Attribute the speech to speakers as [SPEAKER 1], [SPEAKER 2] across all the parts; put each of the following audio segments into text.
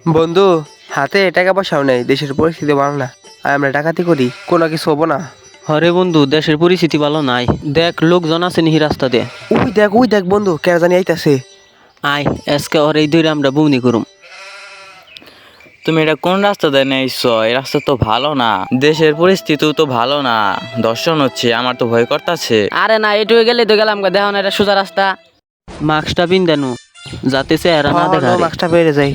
[SPEAKER 1] বন্ধু, হাতে টাকা পয়সাও নেই, দেশের পরিস্থিতি ভালো না। আর আমরা ডাকাতি করি, কোনো কিছু হবো না।
[SPEAKER 2] হরে বন্ধু, দেশের পরিস্থিতি ভালো নাই। দেখ লোকজন আছে নিহি রাস্তা দিয়ে।
[SPEAKER 1] ওই দেখ বন্ধু, কেন জানি আইতাছে।
[SPEAKER 2] আয় আজকে ওর এই দূরে আমরা বউনি করুম।
[SPEAKER 3] তুমি এটা কোন রাস্তা দিয়ে নিয়েছো? এই রাস্তা তো ভালো না, দেশের পরিস্থিতিও তো ভালো না, দর্শন হচ্ছে, আমার তো ভয় করতেছে।
[SPEAKER 4] আরে না, এটুকু গেলে তো গেলাম দেখো না, এটা সোজা রাস্তা।
[SPEAKER 2] মাস্কটা পিন দেনু যাতে চেহারা না দেখা রে।
[SPEAKER 1] মাস্কটা বেড়ে যাই।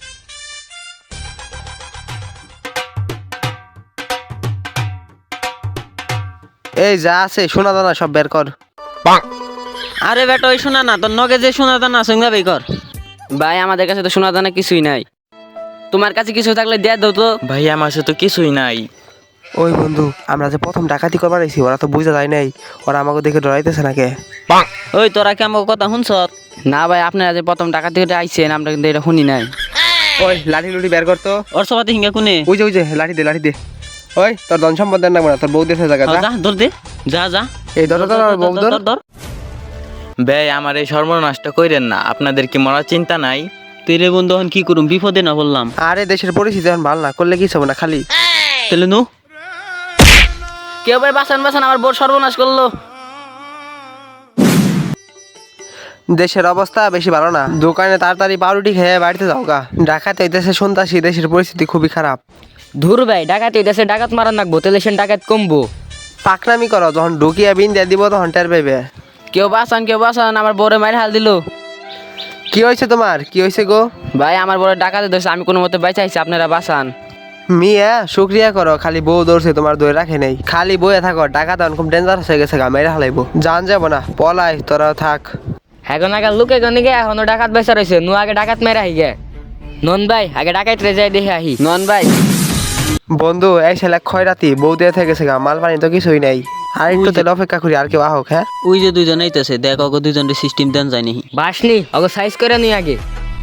[SPEAKER 1] এই যা আছে শোনা দানা সব বের কর।
[SPEAKER 2] আরে বেটা, ওই শোনা না তোর নগে যে শোনা দানা সঙ্গে বেই কর।
[SPEAKER 4] ভাই আমাদের কাছে তো সোনা দানা কিছুই নাই, তোমার কাছে কিছু থাকলে দিয়ে দাও তো।
[SPEAKER 3] ভাই আমার সাথে তো কিছুই নাই।
[SPEAKER 1] ওই বন্ধু, আমরা যে প্রথম ডাকাতি করবার আইছি, ওরা তো বুঝা যায় নাই। ওরা আমাকে দেখে ডরাইতেছে নাকি?
[SPEAKER 2] ওই তোরা কি আমার কথা শুনছ?
[SPEAKER 4] না ভাই, আপনারা যে প্রথম টাকা থেকে আইছেন আমরা কিন্তু এটা শুনি নাই।
[SPEAKER 1] ওই লাঠি লুটি বের করতো।
[SPEAKER 2] ওর সবাতে হিঙ্গা কোনে?
[SPEAKER 1] ওই যে লাঠি দে। ওই তোর ধন সম্পদ দেন না, তোর বউ দেশে জায়গা
[SPEAKER 2] যা ধর দে, যা যা।
[SPEAKER 1] এই ধর বউ ধর।
[SPEAKER 2] ধর।
[SPEAKER 3] ভাই আমার এই সর্বনাশটা কইরেন না, আপনাদের কি মরার চিন্তা নাই?
[SPEAKER 2] তেরে বন্ধু এখন কি করুম, বিপদে না বললাম।
[SPEAKER 1] আরে দেশের পরিস্থিতি এখন ভালো না, করলে কি হবে না খালি।
[SPEAKER 2] তাহলে নু
[SPEAKER 4] কেউ ভাই বাঁচান, আমার বোর সর্বনাশ করলো।
[SPEAKER 1] দেশের অবস্থা বেশি ভালো না, দোকানে তাড়াতাড়ি পাউরুটি খেয়ে বাড়িতে যাও গা। ডাকাতে হইতেছে শুনতাছি, দেশের পরিস্থিতি খুবই খারাপ।
[SPEAKER 4] ধুর ভাই, ডাকাতি দেশে ডাকাত মারান নাকবো, তাহলে সে ডাকাত কমবো।
[SPEAKER 1] পাকনামি করো, যখন ঢুকিয়া বিন দিয়ে দিব তখন টের পাইবে।
[SPEAKER 4] কেউ বাঁচান, আমার বোরে মায়ের হাল দিল।
[SPEAKER 1] কি হয়েছে তোমার, কি হয়েছে গো?
[SPEAKER 4] ভাই আমার বোরে ডাকাতে ধরছে, আমি কোনো মতে বাঁচাইছি, আপনারা বাঁচান।
[SPEAKER 1] মিয়া শুক্রিয়া করো, খালি বউ ধরছে তোমার দই রাখে নেই। খালি বইয়ে থাকো, টাকা তখন খুব ডেঞ্জারাস হয়ে গেছে, মেরে হালাইবো। জান যাবো না, পলাই তোরা থাক।
[SPEAKER 4] এখন আগে লুকে গনি গে, এখনো ডাকাত বেচা রয়েছে, নু আগে ডাকাত মেরে আহি গে। নন ভাই আগে ডাকাত রে যাই দেখে আহি। নন ভাই
[SPEAKER 1] বন্ধু, এই ছেলে খয়রাতি বউ দিয়ে থেকে গেছে গা, মাল পানি তো কিছুই নাই। আর একটু তেল অপেক্ষা করি, আর কেউ আহক। হ্যাঁ
[SPEAKER 2] ওই যে দুইজন আইতেছে, দেখ ওকে দুইজনের সিস্টেম দেন যায় নাহি।
[SPEAKER 4] বাসনি ওকে সাইজ করে নি আগে।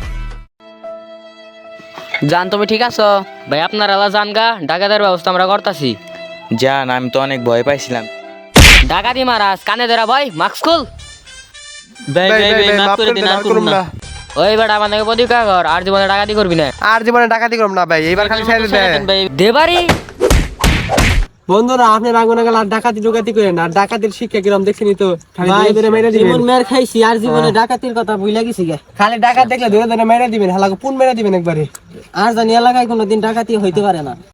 [SPEAKER 4] জান তুমি ঠিক আছো? ভাই আপনার আলা জান গা, ডাকাতের ব্যবস্থা আমরা করতাছি।
[SPEAKER 3] জান আমি তো অনেক ভয় পাইছিলাম।
[SPEAKER 4] ডাকাতি মারাস কানে ধরা ভাই, মাস্ক খুল।
[SPEAKER 2] ভাই মাফ করে দিন, আর করুম না।
[SPEAKER 4] ওই বেটা আমাদের প্রতিকা কর, আর জীবনে ডাকাতি করবি না।
[SPEAKER 1] আর জীবনে ডাকাতি করব না ভাই, এইবার খালি ছেড়ে দে।
[SPEAKER 2] ভাই
[SPEAKER 4] দেবারি
[SPEAKER 5] বন্ধুরা, আপনি রাঙ্গুনাগাল আর ডাকাতি ডুকাতি করেন, আর ডাকাতির শিক্ষা কিরম দেখছেনি তো, খালি ধরে ধরে মেরে দিবেন।
[SPEAKER 2] জীবন মের খাইছি, আর জীবনে ডাকাতির কথা ভুইলা গেছি গে।
[SPEAKER 5] খালি ডাকাত দেখলে ধরে ধরে মেরে দিবেন, হালাকে পুন মেরে দিবেন একবারে।
[SPEAKER 2] আর জানি এলাকায় কোনোদিন ডাকাতি হইতে পারে না।